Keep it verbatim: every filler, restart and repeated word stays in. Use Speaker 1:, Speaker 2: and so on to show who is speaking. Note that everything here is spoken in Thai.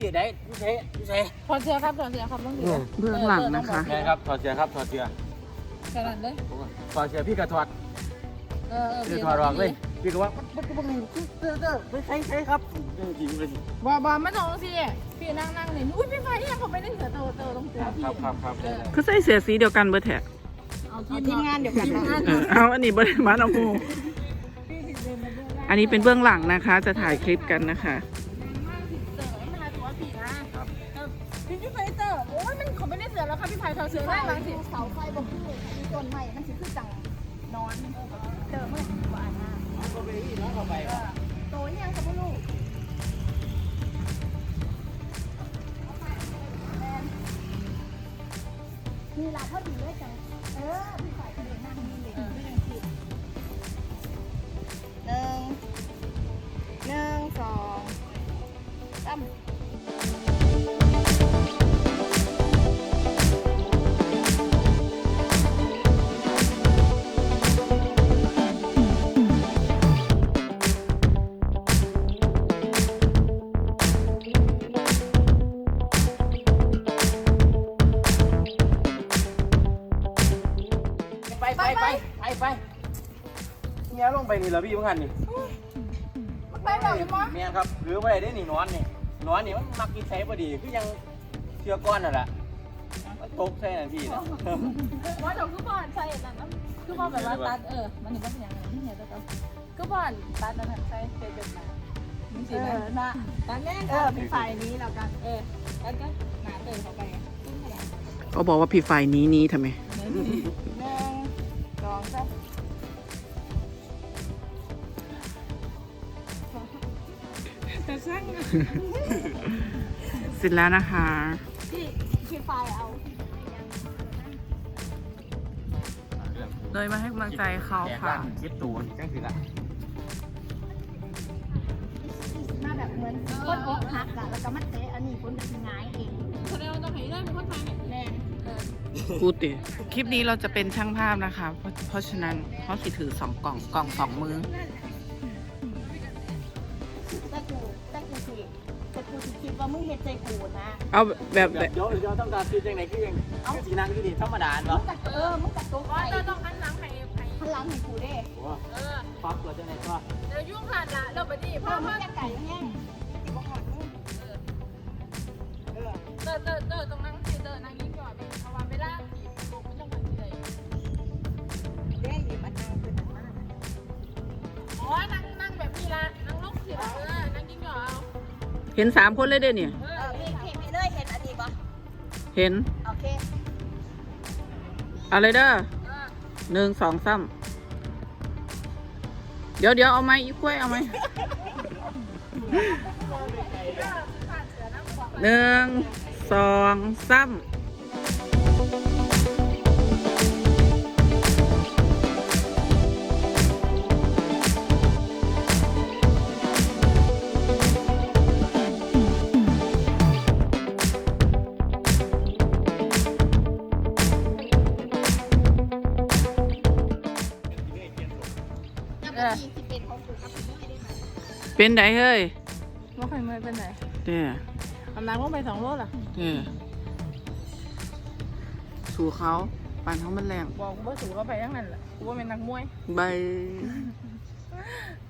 Speaker 1: ที่ไหนพี่เซ่พี่เซ่
Speaker 2: ถอดเสื้อครับถอดเสื้อครับต้องดู
Speaker 3: เบื้องหลังนะคะ
Speaker 1: ใช่ครับถอดเสื้อครับถอดเสื้อ
Speaker 2: ขนาดเลย
Speaker 1: ถอดเสื้อพี่ก็ถอด
Speaker 2: เออ
Speaker 1: พี่ถอดออกเลยพี่ก็ว่ามันก็ไม่เสื้อเสื้อไม่ใช่ใช่ครับจริงเลย
Speaker 2: บอบอไม่ต้องสิพี่นั่งนั่งนี่อุ้ยพี่ไฟยังผมไม่ได้เสือเตอเตอต้องตัวพี่
Speaker 1: ครับครับครับ
Speaker 3: คือใส่เสื้อสีเดียวกันเบอร์แท็ก
Speaker 2: เอาทีมงานเดียวกันนะ
Speaker 3: เออเอาอันนี้เบอร์มาเอาหูอันนี้เป็นเบื้องหลังนะคะ จะถ่ายคลิปกันนะคะ
Speaker 2: พี่พี่ไฟเตอร์โอ้ยมันเขาไม่ได้เสือแล้วค่ะพี่ไฟเขาเสือได้หลังสิ
Speaker 4: เสาไฟบอกคือมีต้นไม้มันสิคือจังนอนเจอเมื่อวานน่ะ
Speaker 1: ก็ไปที่น้องเข้าไป
Speaker 4: โตยังกับลูกมีหลานพอดีเลยจังเออพี่ฝ่ายกระเด็นนั่งนี่เลยไม่ยังคิดหนึ่งหนึ่งสองสาม
Speaker 1: ไปไปไปไปไปเนี่ยลงไปนี่เหรอพี่เมื่อกี้นี่
Speaker 2: ไปแบบนี้มั้ง
Speaker 1: เมียครับหรือไปได้นี่นอนนี่นอนนี่มันมักกินใช้พอดีคือยังเชื่อก้อนนั่นแหละมันตกใช่นั่นพี่นะ
Speaker 2: ว่าเดี๋ยวคือบอลใส่นั่นนะคือบอลแบบว่าตัดเออมันนี่ก็เป็นอย่างนั้นที่เห็นตัวคือบอลตัดนั่นใส่เป็นแบบนั้นมีสีไหมนะตัดแน่เออพี่ไฟนี้แล้วกันเออแล้วก็หนาเติมเข้าไป
Speaker 3: เขาบอกว่าพี่ฝ่ายนี้นี้ทำไม
Speaker 4: หนึ่งสองสาม
Speaker 2: แต่ช่าง
Speaker 3: เสร็จแล้วนะคะ
Speaker 4: พี่พี่ไฟเอา
Speaker 3: เลยมาให้กำลังใจเขา
Speaker 1: แจก
Speaker 3: ค่ะ
Speaker 1: ร้านคิดตูนจังสิละ
Speaker 4: มาแบบเหมือนคนอกหักอะแล้วก็มาเตะอันนี้คนจะง่ายเอง
Speaker 2: คนเดียวต้องให้ได้เป็นคนไทย
Speaker 4: แน่
Speaker 3: พูดดิคลิปนี้เราจะเป็นช่างภาพนะคะ เพราะเพราะฉะนั้นเขาสิถือสองกล่องกล่องสองมือ
Speaker 4: แต่กูแต่กูสิแต่กูสิคิดว่ามึงเฮ็ดใจกูนะ
Speaker 3: เอาแบบ
Speaker 1: เดี๋
Speaker 3: แบ
Speaker 1: ยว
Speaker 3: บ
Speaker 1: เดี๋ยวเดี๋ยวต้องการซื้อจังไหนคือยังเอาสีนังที่นี่ธรรมดา
Speaker 4: มึ
Speaker 1: เนาะ
Speaker 4: งกัดเออมึงกัดตัวไป
Speaker 2: อ๋อต้องหันหลังให้ให้
Speaker 4: พลังให้กูเด้
Speaker 1: โอ้
Speaker 2: เออ
Speaker 1: ปั๊บเราจังไหนก็
Speaker 2: เดี๋ยวยุ่งขาดละเราไปดิ
Speaker 4: พ่
Speaker 2: พ่
Speaker 4: อ
Speaker 2: อ
Speaker 4: มึ
Speaker 2: พ่
Speaker 4: ง
Speaker 2: อ
Speaker 4: จะไก่แห้งสิบ่หอดมึงเออ
Speaker 2: เตอเตอเตอตรงนั้นสิเตอนั่งยิ้มก่อนเอาวางไปล่าผีลูกไม่ต้องมันเลย
Speaker 4: เด้ดิมันนั่งขึ้นมา
Speaker 2: อ๋อนั่งนั่งแบบนี้ละนั่งลงสิเออนั่งยิ้มก่อนเอา
Speaker 3: เห็นสามคนเลยเด้อเนี่ย
Speaker 2: เอ
Speaker 4: เอ
Speaker 2: อ
Speaker 4: อพี่พี่พี่เลยเห็นอันนี้ปะ
Speaker 3: เห็น
Speaker 4: โอเค
Speaker 3: อะไรเด้อ
Speaker 2: เออ
Speaker 3: หนึ่งสองสามเดี๋ยวเดี๋ยวเอาไหมอีกล้วยเอาไหมหนึ่งสองสาม
Speaker 4: ยังไม่มีสิเป็นของกูครับพี่ได้ไหม
Speaker 3: เป็นไดเฮ้ย
Speaker 2: ว่าใครไม่เป็นไหน
Speaker 3: เด้อ
Speaker 2: กำลังว่าไปสองโลล่ะ
Speaker 3: เด้อสู่เขาปั่นเขามันแรง
Speaker 2: บอกว่าสูงก็ไปทั้งนั้นแหละกูว่าเป็นนักมวย
Speaker 3: ใบ